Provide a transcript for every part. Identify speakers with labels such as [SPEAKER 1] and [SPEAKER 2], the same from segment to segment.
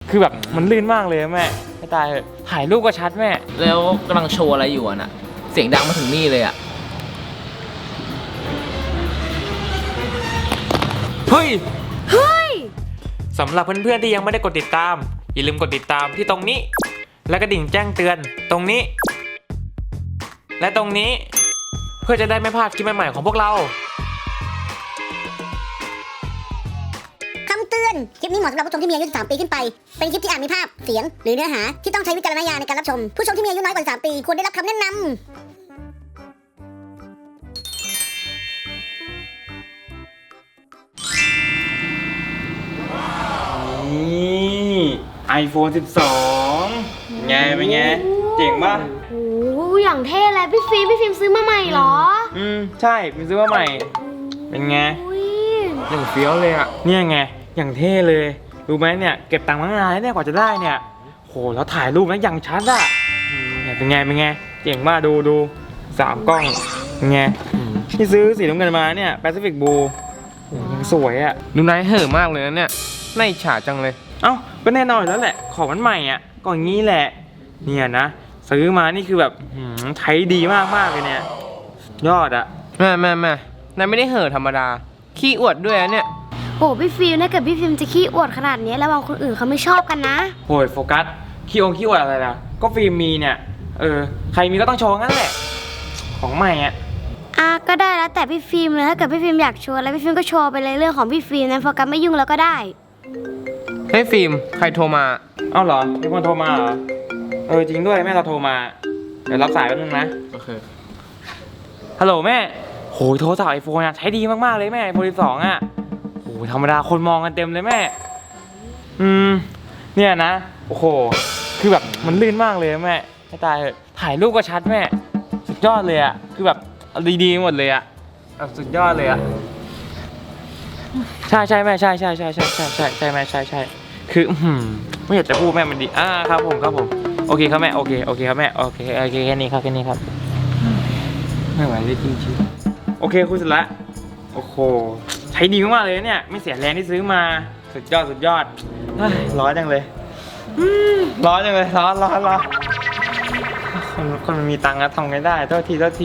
[SPEAKER 1] คือแบบมันลื่นมากเลยแม่ไม่ตายเลยถ่ายรูปก็ชัดแม่
[SPEAKER 2] แล้วกำลังโชว์อะไรอยู่อ่ะน่ะเสียงดังมาถึงนี่เลยอ่ะ
[SPEAKER 1] เฮ้ยสำหรับเพื่อนๆที่ยังไม่ได้กดติดตามอย่าลืมกดติดตามที่ตรงนี้และกระดิ่งแจ้งเตือนตรงนี้และตรงนี้เพื่อจะได้ไม่พลาดคลิปใหม่ๆของพวกเรา
[SPEAKER 3] คำเตือน คลิปนี้เหมาะสำหรับผู้ชมที่มีอายุ13 ปีขึ้นไป เป็นคลิปที่อาจมีภาพ เสียง หรือเนื้อหาที่ต้องใช้วิจารณญาณในการรับชม ผู้ชมที่มีอายุน้อยกว่า13 ปีควรได้รับคำแนะนำ
[SPEAKER 1] นี่ iPhone 12ไงเป็นไงเจ๋งป่ะ
[SPEAKER 4] โอ้อย่างเท่เลยพี่ฟิล์มซื้อมาใหม่เหรอ
[SPEAKER 1] ใช่พี่ซื้อมาใหม่เป็นไงอย่างเฟี้ยวเลยอ่ะเนี่ยไงอย่างเท่เลยรู้ไหมเนี่ยเก็บตังค์มานานแล้วเนี่ยกว่าจะได้เนี่ยโหแล้วถ่ายรูปนะอย่างชัดอ่ะเนี่ยเป็นไงเจ๋งมากดู3 กล้องเป็นไงที่ซื้อสีน้ำเงินมาเนี่ยแปซิฟิกบลูยังสวยอ่ะ
[SPEAKER 5] ดูนายเห่อะมากเลยนะเนี่ยน่าอิจฉาจังเลย
[SPEAKER 1] เอ้าก็แน่นอนแล้วแหละของมันใหม่อ่ะก็อย่างนี้แหละเนี่ยนะซื้อมานี่คือแบบใช้ดีมากเลยเนี่ยยอดอ่ะ
[SPEAKER 5] แม่นายไม่ได้เห่อะธรรมดาขี้อวดด้วยนะเนี่ย
[SPEAKER 4] โอ้พี่ฟิล์มถ้าเกิดพี่ฟิล์มจะขี้อวดขนาดนี้ระวังคนอื่นเขาไม่ชอบกันนะ
[SPEAKER 1] โอ้ยโฟกัสขี้อวดอะไรล่ะก็ฟิล์มมีเนี่ยใครมีก็ต้องโชว์งั้นแหละของใหม่อ่ะ
[SPEAKER 4] ก็ได้แล้วแต่พี่ฟิล์มเลยถ้าเกิดพี่ฟิล์มอยากโชว์อะไรพี่ฟิล์มก็โชว์ไปเลยเรื่องของพี่ฟิล์มนะโฟกัสไม่ยุ่งแล้วก็ได้
[SPEAKER 5] เฮ้ยฟิล์มใครโทรมา
[SPEAKER 1] เอ้าเหรอมีคนโทรมาเหรอจริงด้วยแม่เราโทรมาเดี๋ยวรับสายแป๊บนึงนะ
[SPEAKER 5] โอเค
[SPEAKER 1] ฮัลโหลแม่โหโทรศัพท์ไอโฟนใช้ดีมากๆเลยแม่ไอโฟน12อ่ะโหธรรมดาคนมองกันเต็มเลยแม่เนี่ยนะโอ้โหคือแบบมันลื่นมากเลยแม่ไม่ตายเลยถ่ายรูปก็ชัดแม่สุดยอดเลยอ่ะคือแบบดีหมดเลยอ่ะสุดยอดเลยอ่ะใช่แม่ใช่แม่ใช่คือไม่อยากจะพูดแม่มันดีครับผมโอเคครับแม่โอเคครับแม่โอเคแค่นี้ครับไม่ไหวเลยจริงๆโอเคคุยเสร็จละโอ้โหใช้ดีมากๆเลยเนี่ยไม่เสียแรงที่ซื้อมาสุดยอดร้อนจังเลยร้อนคนมันมีตังค์ทำไงได้โทษที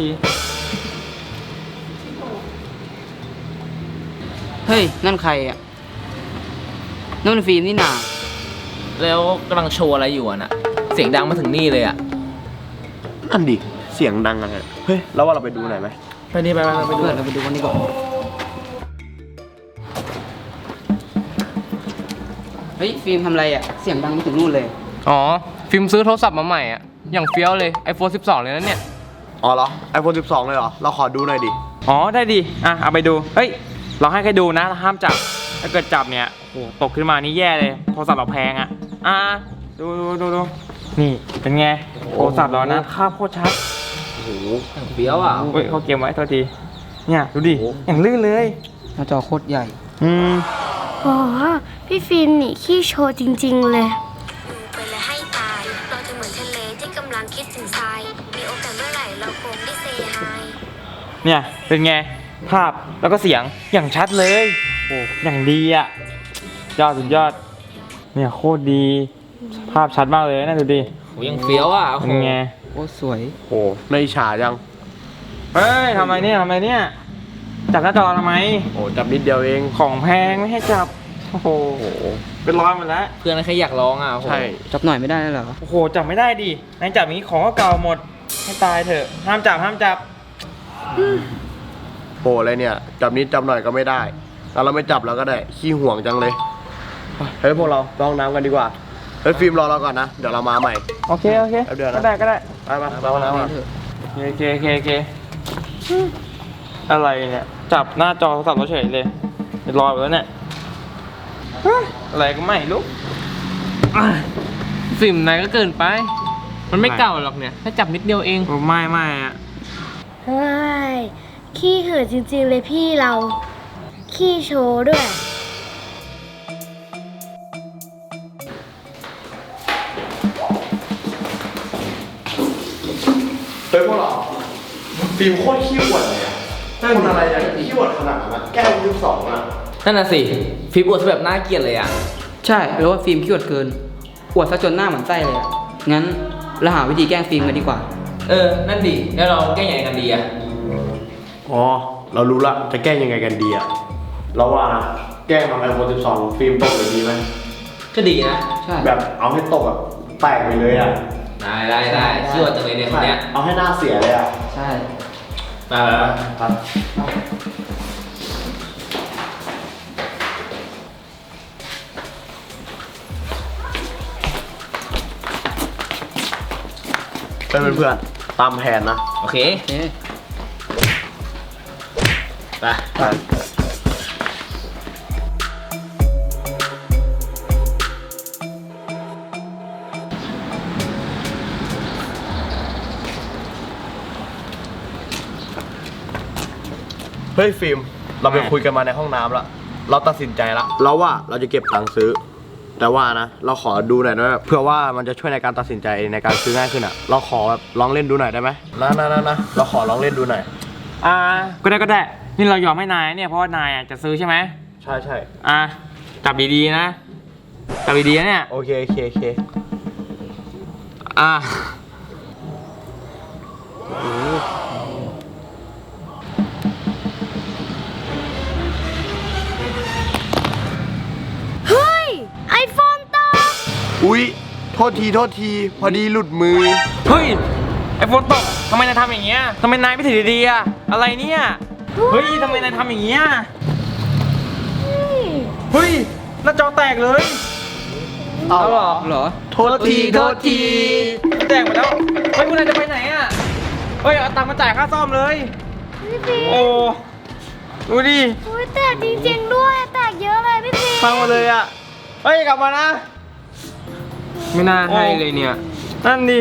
[SPEAKER 2] เฮ้ยนั่นใครอ่ะนั่นฟิล์มนี่นาแล้วกำลังโชว์อะไรอยู่อ่ะน่ะเสียงดังมาถึงนี่เลยอ่ะ
[SPEAKER 6] อันดิเสียงดังอะไรเฮ้ยแล้วว่าเราไปดูหน่อยไหม
[SPEAKER 2] ไปดูเราไปดูกันดีกว่าเฮ้ยฟิล์มทำอะไรอ่ะเสียงดังมาถึงนู่นเลย
[SPEAKER 5] อ๋อฟิล์มซื้อโทรศัพท์มาใหม่อ่ะอย่างเฟี้ยวเลย iPhone 12เลยนะเนี่ย
[SPEAKER 6] อ๋อเหรอ iPhone 12เลยเหรอเราขอดูหน่อยดิ
[SPEAKER 1] อ๋อได้ดิเอาไปดูเฮ้ยเราให้ใครดูนะห้ามจับถ้าเกิดจับเนี่ยโอ้ตกขึ้นมานี่แย่เลยโทรศัพท์เราแพงอ่ะดูนี่เป็นไงโทรศัพท์เรานะภาพโคตรชัด
[SPEAKER 6] โอ้โห
[SPEAKER 2] เฟี้ยวอ่ะ
[SPEAKER 1] เฮ้ยเขาเก็บไว้โทษทีเนี่ยดูดิอย่างลื่นเลย
[SPEAKER 2] หน้าจอโคตรใหญ่
[SPEAKER 4] โอ้พี่ฟิล์มนี่ขี้โชว์จริงๆเลย
[SPEAKER 7] ไปเลยให้ตายเราจะเหมือนทะเลที่กำลังคิดถึงทรายมีโอกาสเมื่อไหร่เราคงได้เซฮาย
[SPEAKER 1] เนี่ยเป็นไงภาพแล้วก็เสียงอย่างชัดเลยโอ้อย่างดีอ่ะสุดยอดเนี่ยโคตรดีภาพชัดมากเลยนะดูดิ
[SPEAKER 2] โอ้ยังเฟี้ยวอ่ะ
[SPEAKER 1] เป็นไง
[SPEAKER 2] โอ้สวย
[SPEAKER 6] โอ้ในฉาจัง
[SPEAKER 1] เฮ้ยทำไมเนี่ยจับหน้าจอทำไม
[SPEAKER 6] โอ้จับนิดเดียวเอง
[SPEAKER 1] ของแพงไม่ให้จับโอ้โหเป็นร้อยหมดแล้ว
[SPEAKER 2] เพื่อนใครอยากลองอ่ะ
[SPEAKER 6] ใช่
[SPEAKER 2] จับหน่อยไม่ได้เหรอ
[SPEAKER 1] โอ้โหจับไม่ได้ดินายจับอย่างนี้ของก็เก่าหมดให้ตายเถอะห้ามจับ
[SPEAKER 6] โหอะไรเนี่ยจับนิดจับหน่อยก็ไม่ได้แล้วเราไม่จับเราก็ได้ขี้ห่วงจังเลยเฮ้ยพวกเราลองน้ำกันดีกว่าเฮ้ยฟิล์มรอเราก่อนนะเดี๋ยวเรามาใหม่
[SPEAKER 1] โอเค
[SPEAKER 6] เดี๋ยวนะ
[SPEAKER 1] ก็ได้
[SPEAKER 6] ไปเราน้ำมา
[SPEAKER 1] โอเคอะไรเนี่ยจับหน้าจอโทรศัพท์เราเฉยเลยรอไปแล้วเนี่ยอะไรก็ไม่รู้
[SPEAKER 5] ฟิล์มนายก็เกินไปมันไม่เก่าหรอกเนี่ยถ้าจับนิดเดียวเอง
[SPEAKER 1] ไม่อ่ะ
[SPEAKER 4] เฮ้ยขี้เหือะจริงๆเลยพี่เราขี้โชว์ด้วย
[SPEAKER 6] เฮ้ยพวกเราฟิล์มโคตรขี้อวดเลยคนอะไรอย่างขี้อวดขนาดนั้นแก้ว12อ่ะ
[SPEAKER 2] นั่นน่ะสิฟิล์มอวดแบบน่าเกลียดเลยอ่ะใช่แปลว่าฟิล์มขี้อวดเกิน
[SPEAKER 8] อวดซะจนหน้าเหมือนไส้เลยอะงั้นเราหาวิธีแกล้งฟิล์มกันดีกว่า
[SPEAKER 2] นั่นดิ แล้วเราแก้ยังไงกันดีอะ
[SPEAKER 6] อ๋อ เรารู้ละ จะแก้ยังไงกันดีอะเราว่านะ แกล้งทำ iPhone 12 ฟิล์มตกเลยดีไหม
[SPEAKER 2] ก็ดีนะ
[SPEAKER 8] ใช่
[SPEAKER 6] แบบเอาให้ตกแบบแตกไปเลยอะ
[SPEAKER 2] ได้ชื่อว่าจังเลยเนี่ยคนเนี้ย
[SPEAKER 6] เอาให้หน้าเสียเลยอะ
[SPEAKER 8] ใช่
[SPEAKER 2] ไป
[SPEAKER 6] ครับเพื่อนๆตามแผนนะ
[SPEAKER 2] โอเค
[SPEAKER 8] โอเค
[SPEAKER 2] ไป
[SPEAKER 6] เฮ้ยฟิล์ม เราไปคุยกันมาในห้องน้ำแล้ว เราตัดสินใจละเราว่าเราจะเก็บตังค์ซื้อ แต่ว่านะ เราขอดูหน่อยนะเพื่อว่ามันจะช่วยในการตัดสินใจในการซื้อง่ายขึ้นอ่ะ เราขอแบบลองเล่นดูหน่อยได้ไหมนะเราขอลองเล่นดูหน่อย
[SPEAKER 1] ก็ได้นี่เรายอมให้นายเนี่ยเพราะว่านายจะซื้อใช่ไหม
[SPEAKER 6] ใช่
[SPEAKER 1] จับดีๆนะจับดีๆนะเนี่ย
[SPEAKER 6] โอเค
[SPEAKER 1] อ่ะ
[SPEAKER 4] เฮ้ย ไอโฟนตก
[SPEAKER 6] อุ๊ย โทษทีพอดีหลุดมือ
[SPEAKER 1] เฮ้ยไอโฟนตกทำไมนายทำอย่างเงี้ยทำไมนายไม่ถือดีๆอะอะไรเนี่ยเฮ้ยทำไมนายทำอย่างเงี้ยเฮ้ยหน้าจอแตกเลย
[SPEAKER 6] เอาเหรอ
[SPEAKER 8] เหรอ
[SPEAKER 6] โทษที
[SPEAKER 1] แตกหมดแล้วเฮ้ยพวกนายจะไปไหนอะเฮ้ยเอาตังค์มาจ่ายค่าซ่อมเลย
[SPEAKER 4] พี่ฟิล์ม
[SPEAKER 1] โอ้ดูดิ
[SPEAKER 4] อุ้ยแตกจริงๆด้วย แตกเยอะเลยพี่ฟิล์ม
[SPEAKER 1] พังหมดเลยอะเฮ้ยกลับมานะ
[SPEAKER 5] ไม่น่าให้เลยเนี่ย
[SPEAKER 1] นั่นดิ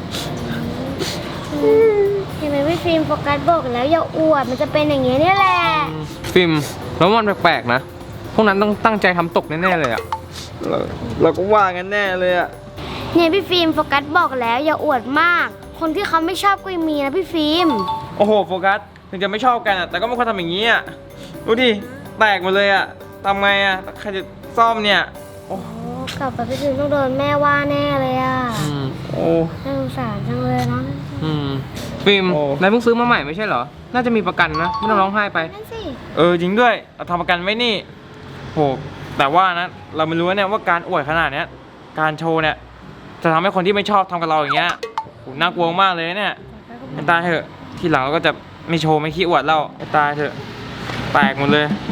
[SPEAKER 4] เห็นไหมพี่ฟิล์มโฟกัสบอกแล้วอย่าอวด มันจะเป็นอย่างเงี้ยเนี่ยแหละ
[SPEAKER 5] ฟิล์มแล้วมันแปลกๆนะ พวกนั้นต้องตั้งใจทำตกแน่ๆเลยอะ
[SPEAKER 1] เราก็ว่ากันแน่เลยอะ
[SPEAKER 4] เนี่ยพี่ฟิล์มโฟกัสบอกแล้วอย่าอวดมาก คนที่เขาไม่ชอบก็มีนะพี่ฟิล์ม
[SPEAKER 1] โอ้โหโฟกัสถึงจะไม่ชอบกันอะแต่ก็ไม่ควรทำอย่างนี้อะดูดิแตกหมดเลยอะทำไงอะใครจะซ่อมเนี่ยโอ้
[SPEAKER 4] โอ้กลับไปพี่ฟิล์มต้องโดนแม่ว่าแน่เลยอ่ะ
[SPEAKER 1] โอ้
[SPEAKER 4] น่าสงสารจังเลยเนาะ
[SPEAKER 5] ฟิล์ม
[SPEAKER 1] โอ้
[SPEAKER 5] นายเพิ่งซื้อมาใหม่ไม่ใช่เหรอ น่าจะมีประกันนะ ไม่ต้องร้องไห้ไป
[SPEAKER 4] นั่นสิ
[SPEAKER 1] จริงด้วยเราทำประกันไว้นี่โหแต่ว่านะเราไม่รู้เนี่ยว่าการอวดขนาดเนี้ยการโชว์เนี่ยจะทำให้คนที่ไม่ชอบทำกับเราอย่างเงี้ยโหน่ากลัวมากเลยเนี่ยให้ตายเถอะทีหลังเราก็จะไม่โชว์ไม่ขี้อวดเราให้ตายเถอะแตกหมดเลย